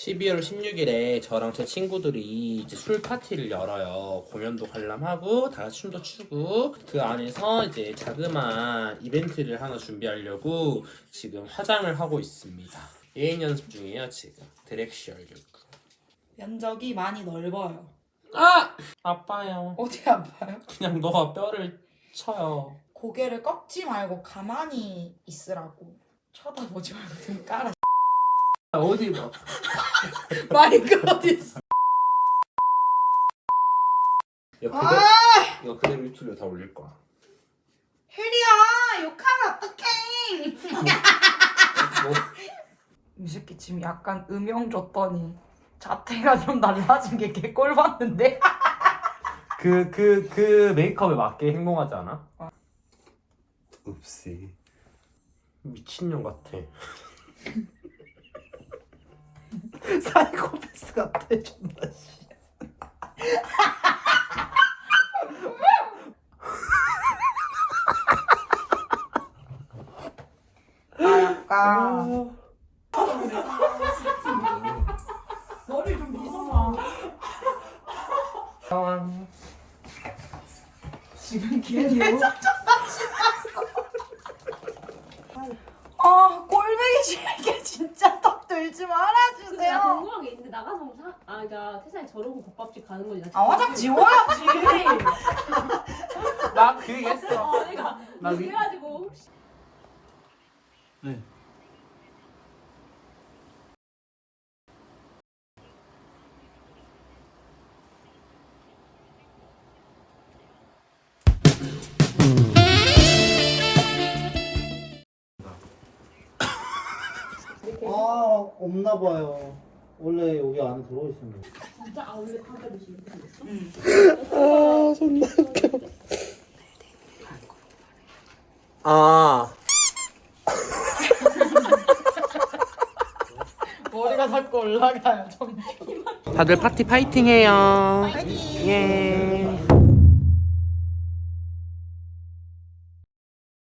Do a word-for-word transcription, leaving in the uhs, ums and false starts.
십이월 십육일에 저랑 제 친구들이 이제 술 파티를 열어요. 공연도 관람하고 다 같이 춤도 추고 그 안에서 이제 자그마한 이벤트를 하나 준비하려고 지금 화장을 하고 있습니다. 예행 연습 중이에요 지금. 드렉시 하려고. 면적이 많이 넓어요. 아! 아파요. 어디 아파요? 그냥 너가 뼈를 쳐요. 고개를 꺾지 말고 가만히 있으라고. 쳐다보지 말고 좀 깔아. 어디 봐. 마이크 어디 있어? 이거 그대로, 아! 이거 그대로 유튜브에 다 올릴 거야. 혜리야 욕하면 어떡해? 뭐? 이 새끼 지금 약간 음영 줬더니 자태가 좀 달라진 게 개꼴 봤는데? 그, 그, 그 메이크업에 맞게 행동하지 않아? 읍시. 미친년 같아. 사이코패스 같아, 존나 씨. 아 약간 머리 좀 빗어봐. 상황. 지금 기분이 아 꼴보기 싫게 진짜 떡 들지 근데 나 말아주세요. 궁금한 게 있는데 나가서 사, 아 그러니까 세상에 저러고 국밥집 가는 거지. 나 아 화장 지워야지. 나 그 얘기 했어. 어, 내가 나 위- 그래가지고 혹시 네. 아 없나 봐요. 원래 여기 안에 들어 있습니다. 진짜 아 원래 밥을 드시는 거였어? 아, 존나 웃겨. 아. 머리가 자꾸 올라가요. 좀. 다들 파티 파이팅 해요. 파이팅. 예.